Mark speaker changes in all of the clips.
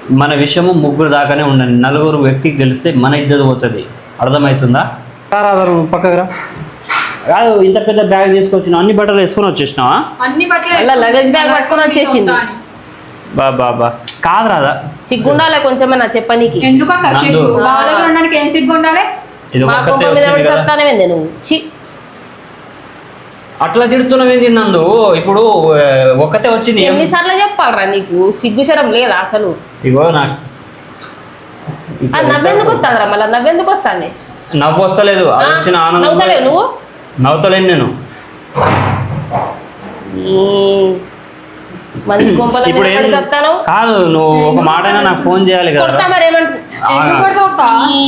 Speaker 1: మన విషయము ముగ్గురు దాకానే ఉండండి. నలుగురు వ్యక్తికి తెలిస్తే మన ఇజ్జత్ పోతుంది. అర్థమవుతుందా? రాదు పక్కకురా. కాదు, ఇంత పెద్ద బ్యాగ్ తీసుకొచ్చిన అన్ని బట్టలు వేసుకొని వచ్చేసినావా?
Speaker 2: అన్ని బట్టలు
Speaker 3: లగేజ్ బ్యాగ్ పట్టుకొని వచ్చేసింది.
Speaker 1: బాబా కాదు రాదా,
Speaker 3: సిగ్గుండాలే కొంచెమైనా చెప్పనీకి.
Speaker 2: ఎందుకక్క సిగ్గు? బావ దగ్గర ఉండడానికి ఏం సిగ్గు ఉండాలి?
Speaker 1: ఇది
Speaker 3: మా
Speaker 1: ఒక్కతే
Speaker 3: కొంప మీద
Speaker 1: వచ్చింది కదా.
Speaker 3: చెప్తానే నువ్వు చి
Speaker 1: అట్లా తిడుతున్నావేంది నందు? ఇప్పుడు ఒక్కతే వచ్చింది.
Speaker 3: ఎన్నిసార్లు చెప్పాలరా నీకు? సిగ్గుశరం లేదా అసలు?
Speaker 1: ఇగో నాకు
Speaker 3: నవ్వెందుకు వస్తుందిరా? మళ్ళీ నవ్వెందుకు వస్తాను?
Speaker 1: నవ్వు వస్తలేదు, అది వచ్చిన ఆనందం.
Speaker 3: నవ్వుతలేవు నువ్వు?
Speaker 1: నవ్వుతలేను నేను.
Speaker 3: మంది కొంపల
Speaker 1: ఇప్పుడు
Speaker 3: మీద పడి చెప్తాను.
Speaker 1: కాదు, నువ్వు ఒక మాట అయినా నాకు ఫోన్ చేయాలి కదా.
Speaker 3: కొడతా మరి ఏమంటు
Speaker 2: ఎందుకు కొడతావు అక్క?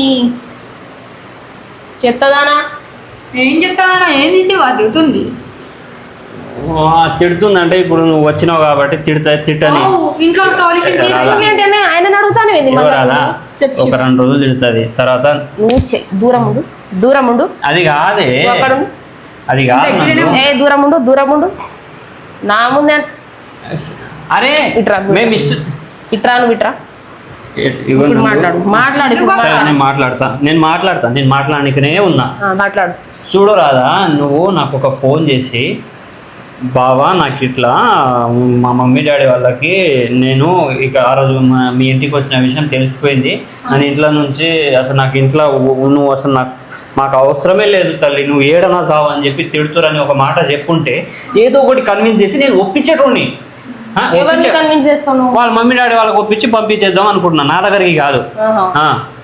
Speaker 3: చెత్తదానా?
Speaker 2: ఏం చెప్తానా? ఏం తీసి తిడుతుంది?
Speaker 1: తిడుతుందంటే ఇప్పుడు నువ్వు వచ్చినావు కాబట్టి తిట్టని
Speaker 2: ఇంట్లో
Speaker 3: ఆయన అడుగుతాను
Speaker 1: రాదా? ఒక 2 రోజులు తిడుతుంది, తర్వాత
Speaker 3: నువ్వు దూరం ఉండు.
Speaker 1: అది కాదే,
Speaker 3: అక్కడుండు.
Speaker 1: అది కాదు.
Speaker 3: దూరం ఉండు నా ముందే.
Speaker 1: అరే
Speaker 3: ఇట్రా
Speaker 1: మేము
Speaker 3: ఇట్రా నువ్వు ఇట్రా. ఇప్పుడు మాట్లాడు.
Speaker 1: నేను మాట్లాడనికనే ఉన్నా.
Speaker 3: మాట్లాడు.
Speaker 1: చూడు రాదా, నువ్వు నాకు ఒక ఫోన్ చేసి, బావా నాకు ఇట్లా మా మమ్మీ డాడీ వాళ్ళకి నేను ఇక ఆ రోజు మీ ఇంటికి వచ్చిన విషయం తెలిసిపోయింది. నేను ఇంట్లో నుంచి అసలు నాకు ఇంట్లో నువ్వు అసలు మాకు అవసరమే లేదు తల్లి, నువ్వు ఏడనా సావు అని చెప్పి తిడుతురని ఒక మాట చెప్పుంటే ఏదో ఒకటి కన్విన్స్ చేసి నేను ఒప్పించేటోని.
Speaker 3: కన్విన్స్ చేస్తాను?
Speaker 1: వాళ్ళ మమ్మీ డాడీ వాళ్ళకి ఒప్పించి పంపించేద్దాం అనుకుంటున్నా, నా దగ్గరికి కాదు.